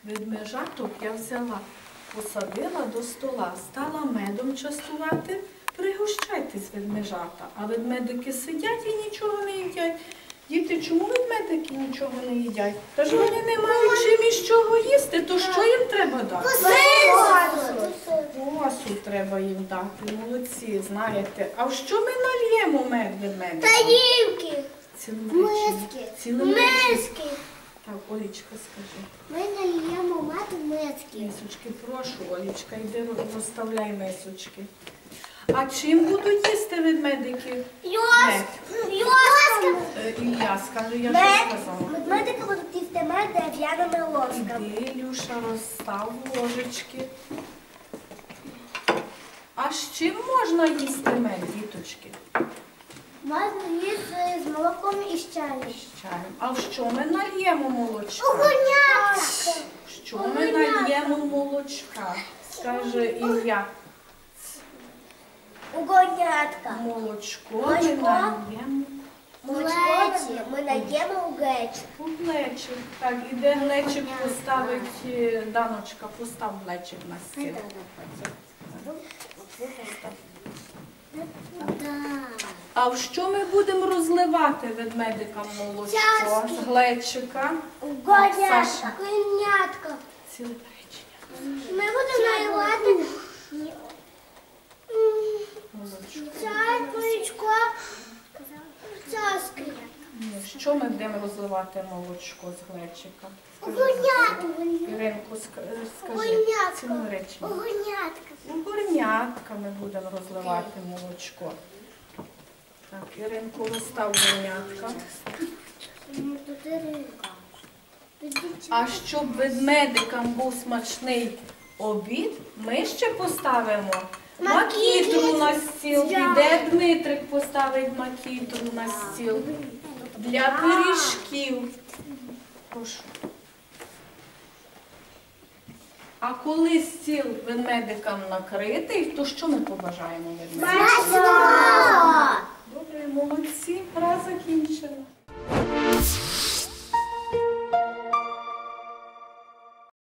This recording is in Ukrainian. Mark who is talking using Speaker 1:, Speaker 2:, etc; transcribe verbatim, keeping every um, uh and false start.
Speaker 1: Ведмежаток я взяла, посадила до стола, стала медом частувати. Пригощайтесь, ведмежата. А ведмедики сидять і нічого не їдять. Діти, чому ведмедики нічого не їдять? Та ж вони не мають чим із чого їсти, то що їм треба дати? Квасу треба їм дати, молодці, знаєте. А в що ми нальємо мед ведмедикам?
Speaker 2: Тарілки,
Speaker 1: Миски.
Speaker 2: миски.
Speaker 1: Так, Олічка, скажи.
Speaker 2: Ми нальємо мед в миски.
Speaker 1: Мисочки, прошу, Олічка, йди розставляй мисочки. А чим будуть їсти ведмедики?
Speaker 2: Ложками.
Speaker 1: Е, Ілля, скажи, я
Speaker 2: Мед.
Speaker 1: що сказала?
Speaker 2: Медики будуть їсти мед дерев'яними ложками.
Speaker 1: Іди, Ілюша, розстав ложечки. А з чим можна їсти мед, діточки?
Speaker 2: Можна їсти з молоком і з чаєм.
Speaker 1: З чаєм. А в що ми нальємо молочка?
Speaker 2: Огонятка.
Speaker 1: В що ми нальємо молочка? Скаже Ілля.
Speaker 2: Огонятка.
Speaker 1: Молочко ми
Speaker 2: Молочко.
Speaker 1: нальємо.
Speaker 2: Молочко ми наємо у гречку.
Speaker 1: У глечик. Так, іде глечик поставить, е, Даночка, постав глечик на стіл. А в що ми будемо розливати ведмедикам молочко
Speaker 2: Чашки.
Speaker 1: з глечика?
Speaker 2: Огонятка. Огонятка.
Speaker 1: Ціле речення.
Speaker 2: Ми будемо наливати
Speaker 1: Молочко.
Speaker 2: чай, молочко, чашки.
Speaker 1: Ні, що ми будемо розливати молочко з глечика?
Speaker 2: Огонятка.
Speaker 1: Іринку, ск- скажи.
Speaker 2: Огонятка.
Speaker 1: Ціле речення.
Speaker 2: Огонятка.
Speaker 1: У горнятка ми будемо розливати молочко. Так, Іринку, розстав горнятка. А щоб ведмедикам був смачний обід, ми ще поставимо макітру на стіл. Піде Дмитрик поставить макітру на стіл для пиріжків. Прошу. А коли стіл ведмедикам накритий, то що ми побажаємо ведмедикам?